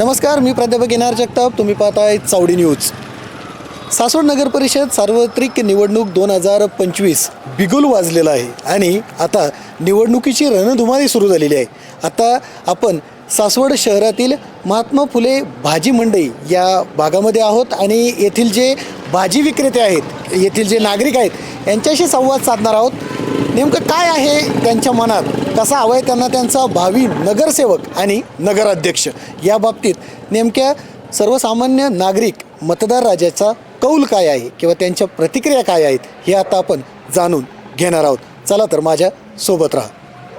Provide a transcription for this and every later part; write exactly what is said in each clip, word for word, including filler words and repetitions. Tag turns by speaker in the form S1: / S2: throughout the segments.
S1: नमस्कार, मी प्राध्यापक N R Jagtap. तुम्ही पाहताय चावडी न्यूज. सासवड नगर परिषद सार्वत्रिक निवडणूक दोन हजार पंचवीस बिगुल वाजलेला आहे आणि आता निवडणुकीची रणधुमाळी सुरू झालेली आहे. आता आपण सासवड शहरातील महात्मा फुले भाजी मंडई या भागामध्ये आहोत आणि येथील जे भाजी विक्रेते आहेत, येथील जे नागरिक आहेत यांच्याशी संवाद साधणार आहोत. नेमकं काय आहे त्यांच्या मनात, कसा हवा आहे त्यांना त्यांचा भावी नगरसेवक आणि नगराध्यक्ष, या बाबतीत नेमक्या सर्वसामान्य नागरिक मतदार राजाचा कौल काय आहे किंवा त्यांच्या प्रतिक्रिया काय आहेत हे आता आपण जाणून घेणार आहोत. चला तर माझ्या सोबत राहा.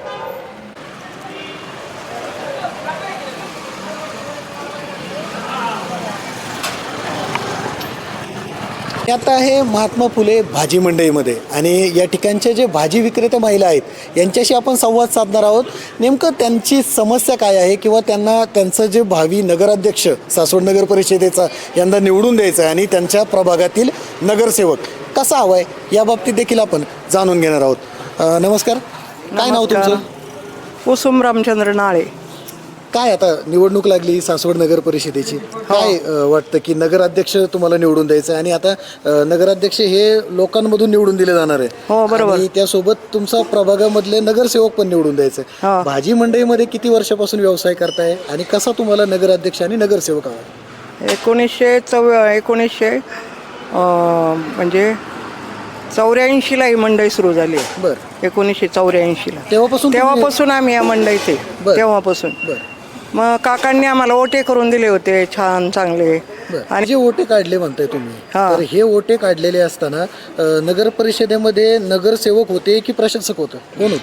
S1: आता आहे महात्मा फुले भाजी मंडईमध्ये आणि या ठिकाणचे जे भाजी विक्रेते महिला आहेत यांच्याशी आपण संवाद साधणार आहोत. नेमकं त्यांची समस्या काय आहे किंवा त्यांना त्यांचं जे भावी नगराध्यक्ष सासवड नगर परिषदेचा यंदा निवडून द्यायचं आहे आणि त्यांच्या प्रभागातील नगरसेवक कसा हवा आहे या बाबतीत देखील आपण जाणून घेणार आहोत. नमस्कार, काय नाव तुमचं?
S2: कुसुम रामचंद्र नाळे.
S1: काय आता निवडणूक लागली सासवड नगर परिषदेची, काय वाटतं की नगराध्यक्ष तुम्हाला निवडून द्यायचं आहे आणि आता नगराध्यक्ष हे लोकांमधून निवडून दिले जाणार आहे.
S2: हो, बरोबर.
S1: आणि त्यासोबत तुमचा प्रभागामधले नगरसेवक पण निवडून द्यायचं आहे. भाजी मंडईमध्ये किती वर्षापासून व्यवसाय करताय आणि कसा तुम्हाला नगराध्यक्ष आणि नगरसेवक हवा?
S2: एकोणीसशे चौ एकोणीसशे म्हणजे चौऱ्याऐंशीला ही मंडई सुरू झाली.
S1: बरं.
S2: एकोणीसशे चौऱ्याऐंशीला
S1: तेव्हापासून
S2: तेव्हापासून आम्ही या मंडईत आहे. तेव्हापासून मग काकांनी आम्हाला ओटे करून दिले होते छान चांगले.
S1: आणि जे ओटे काढले म्हणताय तुम्ही, तर हे ओटे काढलेले असताना नगर परिषदेमध्ये नगरसेवक होते की प्रशासक होतं, कोण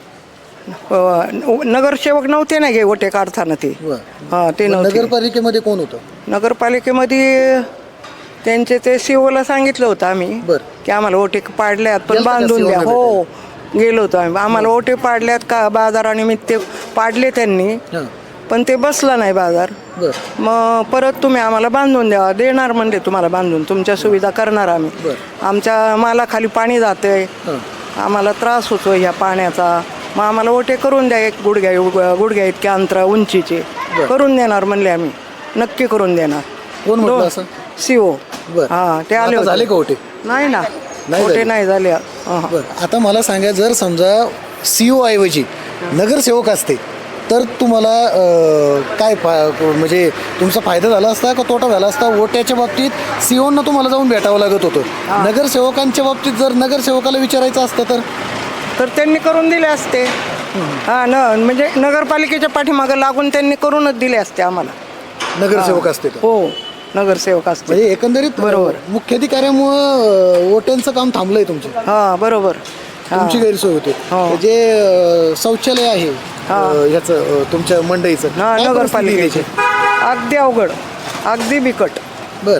S1: होतं?
S2: नगरसेवक नव्हते ना गे ओटे काढताना ते. हा, ते नव्हते.
S1: नगरपालिकेमध्ये कोण होतं?
S2: नगरपालिकेमध्ये त्यांचे ते सीओला सांगितलं होतं आम्ही की आम्हाला ओटे पाडल्यात पण बांधून द्या. हो, गेलो होतो आम्ही. आम्हाला ओटे पाडल्यात का बाजारानिमित्त पाडले त्यांनी, पण ते बसला नाही बाजार. मग परत तुम्ही आम्हाला बांधून द्या. देणार म्हणजे तुम्हाला बांधून, तुमच्या सुविधा करणार आम्ही. आमच्या मालाखाली पाणी जाते, आम्हाला त्रास होतो ह्या पाण्याचा. मग आम्हाला ओटे करून द्या, एक गुडघ्या गुडघ्या इतक्या अंतरा उंचीचे करून देणार म्हणले आम्ही. नक्की करून देणार.
S1: कोण म्हटलं असं?
S2: सीओ. हा, ते आले
S1: झाले का ओटे?
S2: नाही ना, ओटे नाही झाले.
S1: आता मला सांगा, जर समजा सीओ ऐवजी नगरसेवक असते तर तुम्हाला काय म्हणजे तुमचा फायदा झाला असता का तोटा झाला असता? ओट्याच्या बाबतीत सीओना तुम्हाला जाऊन भेटावं लागत होतं. नगरसेवकांच्या बाबतीत जर नगरसेवकाला विचारायचं असतं तर
S2: तर त्यांनी करून दिले असते. हा न म्हणजे नगरपालिकेच्या पाठीमागं लागून त्यांनी करूनच दिले असते आम्हाला.
S1: नगरसेवक असते.
S2: हो, नगरसेवक असते.
S1: म्हणजे एकंदरीत बरोबर मुख्याधिकाऱ्यामुळं ओट्यांचं काम थांबलंय तुमचं.
S2: हा, बरोबर.
S1: तुमची गैरसोय होते. जे शौचालय आहे याचं तुमच्या मंडईचं,
S2: नगरपालिकेचे अगदी अवघड, अगदी बिकट.
S1: बर.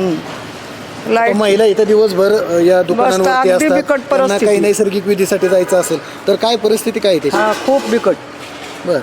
S2: लाईट
S1: महिला इथं दिवसभर या दुकानांवरती असतात, त्यांना काही नैसर्गिक विधीसाठी जायचं असेल तर काय परिस्थिती काय त्याची?
S2: खूप बिकट.
S1: बर.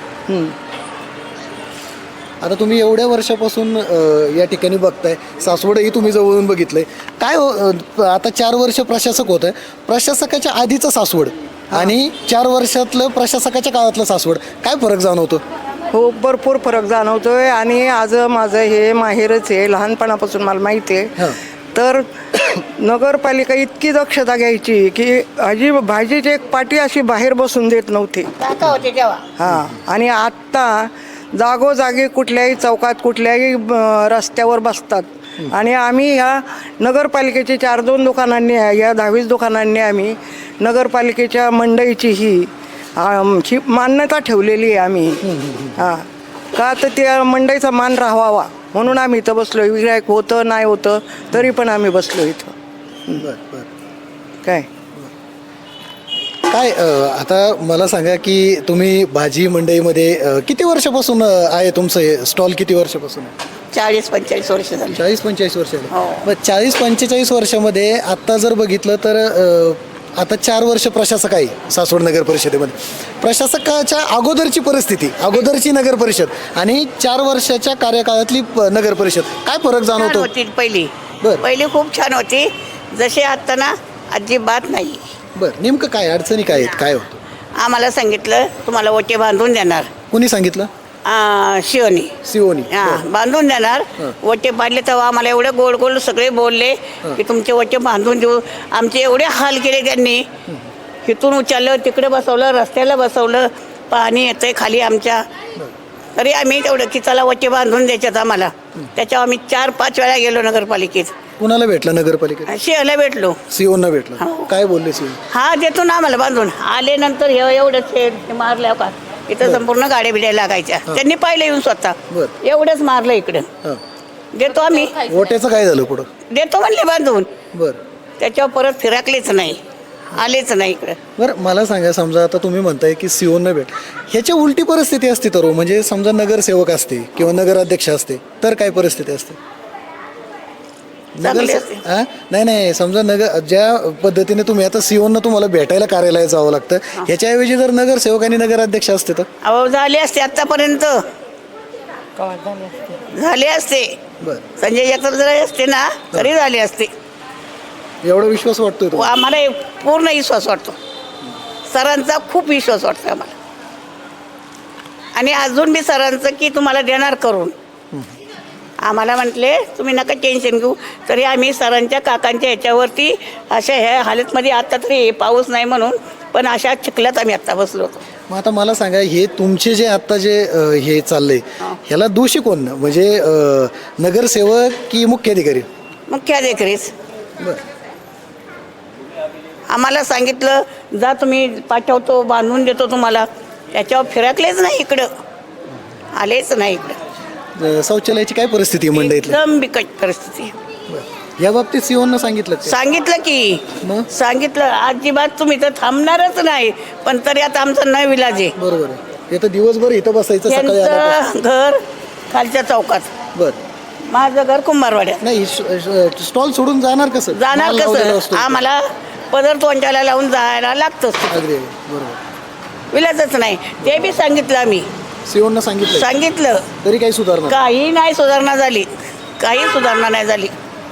S1: आता तुम्ही एवढ्या वर्षापासून या ठिकाणी बघताय, सासवडही तुम्ही जवळून बघितलंय. काय आता चार वर्ष प्रशासक होत आहे, प्रशासकाच्या आधीचं सासवड आणि चार वर्षातलं प्रशासकाच्या काळातलं सासवड, काय फरक जाणवतो?
S2: हो, भरपूर फरक जाणवतोय. आणि आज माझं हे माहेरच आहे, लहानपणापासून मला माहिती आहे. तर नगरपालिका इतकी दक्षता घ्यायची की भाजी भाजीची एक पाटी अशी बाहेर बसून देत नव्हती. हा, आणि आत्ता जागोजागी कुठल्याही चौकात कुठल्याही रस्त्यावर बसतात. आणि आम्ही ह्या नगरपालिकेची चार दोन दुकानांनी या दहावीस दुकानांनी आम्ही नगरपालिकेच्या मंडईची ही ही मान्यता ठेवलेली आहे आम्ही. हां, का तर त्या मंडईचा मान राहावा म्हणून आम्ही इथं बसलो. विरायक होतं नाही होतं तरी पण आम्ही बसलो इथं. काय
S1: काय आता मला सांगा की तुम्ही भाजी मंडईमध्ये किती वर्षापासून आहे तुमचं हे स्टॉल? किती वर्षापासून?
S3: चाळीस पंचेचाळीस वर्ष झाली.
S1: चाळीस पंचेचाळीस वर्ष मग चाळीस पंचेचाळीस वर्षामध्ये आत्ता जर बघितलं तर आता चार वर्ष प्रशासक आहे सासवड नगर परिषदेमध्ये. प्रशासकाच्या अगोदरची परिस्थिती, अगोदरची नगर परिषद आणि चार वर्षाच्या कार्यकाळातली नगर परिषद, काय फरक जाणवतो?
S3: पहिली पहिली खूप छान होती, जसे आता ना अजिबात नाही.
S1: बरं, नेमकं काय अडचणी काय आहेत, काय होतं?
S3: आम्हाला सांगितलं तुम्हाला ओटे बांधून देणार.
S1: कोणी सांगितलं?
S3: आ, शिवणी
S1: सिओनी
S3: हा बांधून देणार. वटे पाडले तेव्हा आम्हाला एवढे गोड गोड सगळे बोलले की तुमचे वटे बांधून देऊ. आमचे एवढे हाल केले त्यांनी. इथून उचललं, तिकडे बसवलं, रस्त्याला बसवलं, पाणी येतंय खाली आमच्या. तरी आम्ही तेवढं की चला वटे बांधून द्यायच्यात आम्हाला. त्याच्यावर आम्ही चार पाच वेळा गेलो नगरपालिकेत.
S1: कुणाला भेटला नगरपालिकेत?
S3: शिवायला भेटलो.
S1: सिओनना भेटला.
S3: हो.
S1: काय बोलले सिओन?
S3: हा देतो ना आम्हाला बांधून. आले नंतर हे एवढंच हे मारल्या का इथं संपूर्ण गाड्या बिड्या लागायच्या. त्यांनी पाहिलं येऊन स्वतः.
S1: बरं.
S3: एवढंच मारलं इकडं.
S1: हां.
S3: देतो आम्ही,
S1: वोट्याचं काय झालं पुढं?
S3: देतो म्हणले बांधून.
S1: बरं
S3: त्याच्यावर परत फिरकलेच नाही, आलेच नाही इकडं.
S1: बरं मला सांगा, समजा आता तुम्ही म्हणताय की सिओनना भेट, ह्याच्या उलटी परिस्थिती असते तर हो, म्हणजे समजा नगरसेवक असते किंवा नगराध्यक्ष असते तर काय परिस्थिती असते?
S3: चांगली
S1: नगर
S3: असते.
S1: हां नाही नाही समजा नगर ज्या पद्धतीने तुम्ही आता सिओनना तुम्हाला भेटायला कार्यालयात जावं लागतं, ह्याच्याऐवजी जर नगरसेवक आणि नगराध्यक्ष असते तर?
S3: अहो झाले असते आतापर्यंत, झाले असते.
S1: बरं
S3: संजय जगताप जर असते ना तरी झाले असते.
S1: एवढा विश्वास वाटतोय
S3: व
S1: तुम्हाला?
S3: आम्हाला पूर्ण विश्वास वाटतो, सरांचा खूप विश्वास वाटतो आम्हाला. आणि अजून मी सरांचं की तुम्हाला देणार करून. आम्हाला म्हटले तुम्ही नका टेन्शन घेऊ. तरी आम्ही सरांच्या काकांच्या ह्याच्यावरती अशा ह्या हालतमध्ये आता तरी पाऊस नाही म्हणून, पण अशा चिखल्यात आम्ही आत्ता बसलो होतो.
S1: मग आता मला सांगा, हे तुमचे जे आता जे अ, हे चाललंय ह्याला दोषी कोण? म्हणजे अ, नगरसेवक की मुख्याधिकारी?
S3: मुख्याधिकारीच.
S1: बरं
S3: आम्हाला सांगितलं जा तुम्ही पाठवतो, बांधून देतो तुम्हाला. त्याच्यावर फिरकलेच नाही इकडं, आलेच नाही इकडं.
S1: अ, शौचालयाची काय परिस्थिती आहे मंडईतली?
S3: एकदम बिकट परिस्थिती.
S1: बरं. या बाबतीत सिओननं सांगितलं का?
S3: सांगितलं की
S1: मग?
S3: सांगितलं अजिबात तुम्ही तर थांबणारच नाही. पण तरी आता आमचं न विलाज आहे.
S1: बरोबर आहे. इथं दिवसभर इथं बसायचं सकाळी आल्यापासून.
S3: त्यांचं घर खालच्या चौकात,
S1: बरं
S3: माझं घर कुंभारवाड्यात.
S1: नाही स्टॉल सोडून जाणार कसं?
S3: जाणार
S1: माल लावलेला
S3: कसं?
S1: असतो.
S3: आम्हाला पदर तोंडाला लावून जायला लागतंच.
S1: अगदी बरोबर.
S3: विलाजच नाही. ते बी सांगितलं आम्ही,
S1: सिओननं सांगितलं
S3: सांगितलं
S1: तरी काही सुधारणा?
S3: काही नाही सुधारणा झाली, काही सुधारणा नाही झाली.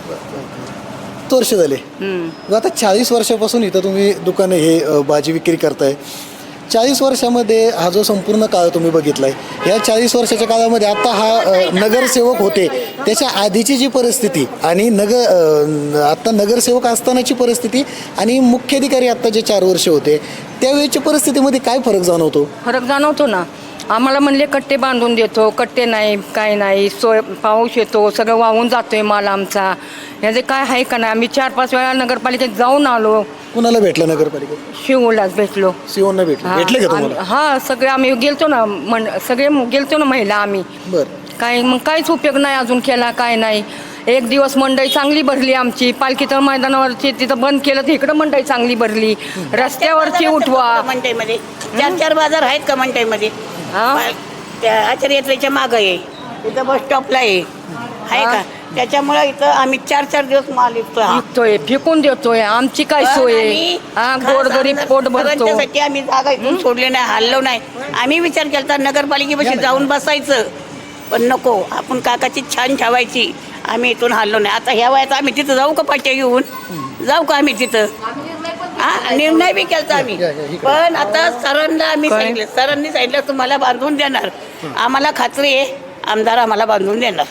S1: वर्ष झाले. मग आता चाळीस वर्षापासून इथं तुम्ही दुकानं हे अ, भाजी विक्री करताय. चाळीस वर्षामध्ये हा जो संपूर्ण काळ तुम्ही बघितलाय, या चाळीस वर्षाच्या काळामध्ये आता हा अ, नगरसेवक होते त्याच्या आधीची जी परिस्थिती आणि नगर अ, आता नगरसेवक असतानाची परिस्थिती आणि मुख्याधिकारी आत्ता जे चार वर्ष होते त्यावेळेच्या परिस्थितीमध्ये काय फरक जाणवतो?
S4: फरक जाणवतो ना. आम्हाला म्हणले कट्टे बांधून देतो, कट्टे नाही, काय नाही, सोय पाऊस येतो, सगळं वाहून जातोय माल आमचा. ह्याचे काय आहे का नाही. आम्ही चार पाच वेळा नगरपालिकेत जाऊन आलो.
S1: कुणाला भेटलं नगरपालिकेत?
S4: शिवलाच भेटलो.
S1: सिओनला भेटलं?
S4: हा,
S1: भेटले का
S4: आम-
S1: तुम्हाला?
S4: हा सगळे आम्ही गेलतो ना, म्हण सगळे गेलतो ना महिला आम्ही.
S1: बरं
S4: काय मग काहीच उपयोग नाही अजून केला, काय नाही. एक दिवस मंडई चांगली भरली आमची. पालखीच्या मैदानावरची तिथं बंद केलं तर इकडं मंडई चांगली भरली. रस्त्यावरची उठवा.
S3: मंडईमध्ये चार चार बाजार आहेत का मंडईमध्ये?
S4: हा?
S3: त्या आचार्य यात्रेच्या मागं आहे, इथं बस स्टॉपला आहे, आहे का? त्याच्यामुळं इथं आम्ही चार चार दिवस माल विकतो. हा.
S4: विकतोय, फेकून देतोय. आमची काय सोय आहे?
S3: आणि
S4: हा
S3: खास
S4: गोरगरीब
S3: आमदार
S4: पोट भरतो.
S3: सरांच्यासाठी आम्ही जागा इथून सोडले नाही, हल्लो नाही. आम्ही विचार केला नगरपालिकेपाशी जाऊन बसायचं, पण नको, आपण काकाची छान ठेवायची. आम्ही इथून हल्लो नाही. आता ह्या वयात आम्ही तिथं जाऊ का पाट्या घेऊन? जाऊ का आम्ही तिथं? हा निर्णय बी केला आम्ही.
S1: या, या, इकडे.
S3: पण आता सरांना आम्ही
S4: काय?
S3: सांगितलं, सरांनी सांगितलं तुम्हाला बांधून देणार. आम्हाला खात्री आहे आमदार आम्हाला बांधून देणार.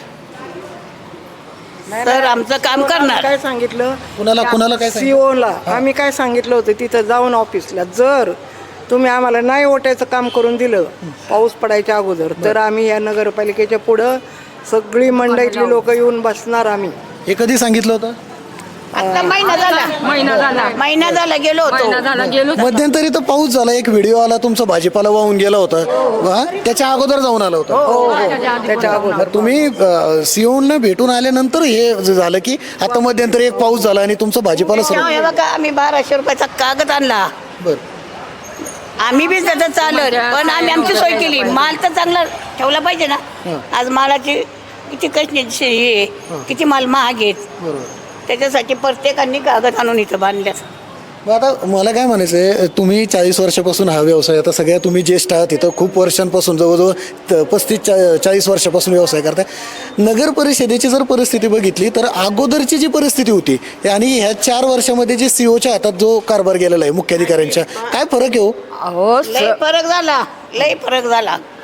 S3: सर आमचं काम करणार.
S2: काय सांगितलं?
S1: कुणाला कुणाला काय सांगितलं?
S2: सीओला आम्ही काय सांगितलं होतं तिथं जाऊन ऑफिसला, जर तुम्ही आम्हाला नाही ओटायचं काम करून दिलं पाऊस पडायच्या अगोदर, तर आम्ही या नगरपालिकेच्या पुढं सगळी मंडईतली लोक येऊन बसणार आम्ही.
S1: हे कधी सांगितलं होतं?
S3: आता महिना झाला,
S4: महिना झाला.
S3: महिना झाला गेलो
S4: महिना
S3: होतो.
S4: झाला गेलो.
S1: मध्यंतरी तर पाऊस झाला, एक व्हिडिओ आला तुमचा भाजीपाला वाहून गेला होता. वा, त्याच्या अगोदर जाऊन आला होता.
S2: हो त्याच्या अगोदर
S1: मग तुम्ही सिओननं भेटून आल्यानंतर हे ज- झालं की आता मध्यंतरी एक पाऊस झाला आणि तुमचा भाजीपाला सर्व.
S3: हे बघा आम्ही बाराशे रुपयाचा कागद आणला.
S1: बरं
S3: आम्ही बी त्याचं चालत, पण आम्ही आमची सोय केली. माल तर चांगला ठेवला पाहिजे ना. आज मालाची किती कष्ट हे किती माल महाग आहेत.
S1: बरोबर.
S3: त्याच्यासाठी प्रत्येकाने कागद आणून इथं बांधल्यात.
S1: मग आता मला काय म्हणायचं आहे, तुम्ही चाळीस वर्षापासून हा व्यवसाय, आता सगळ्या तुम्ही ज्येष्ठ आहात इथं, खूप वर्षांपासून जवळजवळ त- पस्तीस चा चाळीस वर्षापासून व्यवसाय करताय. नगर परिषदेची जर परिस्थिती बघितली तर अगोदरची जी परिस्थिती होती आणि ह्या चार वर्षामध्ये जे सीओच्या हातात जो कारभार गेलेला आहे मुख्याधिकाऱ्यांच्या, काय फरक आहे हो?
S4: अहो
S3: लय
S4: स-
S3: फरक झाला, लय फरक झाला.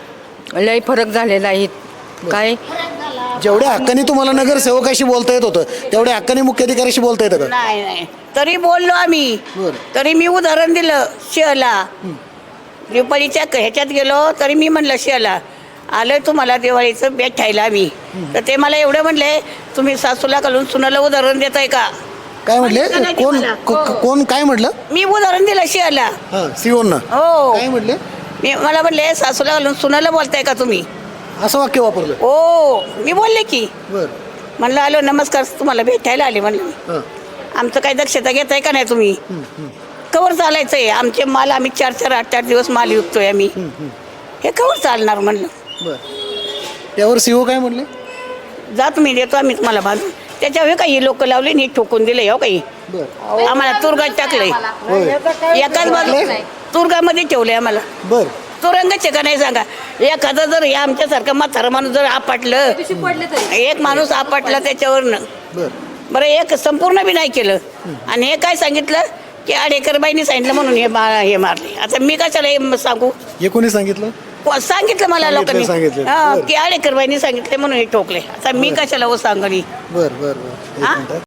S4: लय फरक झालेला आहे काय.
S1: जेवढ्या हक्काने तुम्हाला नगरसेवकाशी बोलता येत होतं तेवढ्या हक्काने मुख्याधिकाऱ्याशी बोलता येतं का?
S3: नाही नाही तरी बोललो आम्ही.
S1: बरं.
S3: तरी मी उदाहरण दिलं शेला दिवाळीच्या ह्याच्यात गेलो तरी मी म्हणलं शेला आलं तुम्हाला दिवाळीचं बेट ठायला आम्ही. तर ते मला एवढं म्हणले तुम्ही सासूला घालून सुनाला उदाहरण देताय का.
S1: काय म्हटले कोण को- कोण काय म्हटलं?
S3: मी उदाहरण दिलं शेला.
S1: हां सीओना
S3: हो
S1: काय म्हटले?
S3: मी मला म्हणले सासूला घालून सुनाला बोलताय का तुम्ही.
S1: असं वाक्य वापरलं.
S3: हो मी बोलले की
S1: बर
S3: म्हणलं आलो नमस्कार तुम्हाला भेटायला आले म्हणलं मी.
S1: हां
S3: आमचं काही दक्षता घेताय का नाही तुम्ही. कवर चालायचं आहे आमचे माल आम्ही चार चार आठ आठ दिवस माल विकतोय आम्ही. हे कवर चालणार म्हणलं.
S1: बर त्यावर सीओ काय म्हणले?
S3: जा तुम्ही देतो आम्ही तुम्हाला बांधून. त्याच्यावर काही लोक लावले आणि ठोकून दिले हो काही
S1: बर
S3: आम्हाला तुरगात टाकलंय.
S1: होय
S3: एकाच बाजू तुरगामध्ये ठेवले आम्हाला.
S1: बर
S3: तुरंगाचे का नाही सांगा. एखादं जर हे आमच्यासारखं म्हातारं माणूस जर आपटलं एक माणूस आपटला त्याच्यावरनं
S1: बर
S3: बरं एक संपूर्ण बी नाही केलं आणि हे काय सांगितलं की आडेकरबाईंनी सांगितलं म्हणून हे मा हे मारले. आता मी कशाला हे सांगू.
S1: हे कोणी सांगितलं?
S3: को- सांगितलं मला
S1: सांगितलं,
S3: लोकांनी
S1: सांगितलं.
S3: हा,
S1: बरं.
S3: की आडेकरबाईंनी सांगितले म्हणून हे ठोकले. आता मी कशाला हो सांगणी.
S1: बर बर बर एक
S3: हां?
S1: मिनिट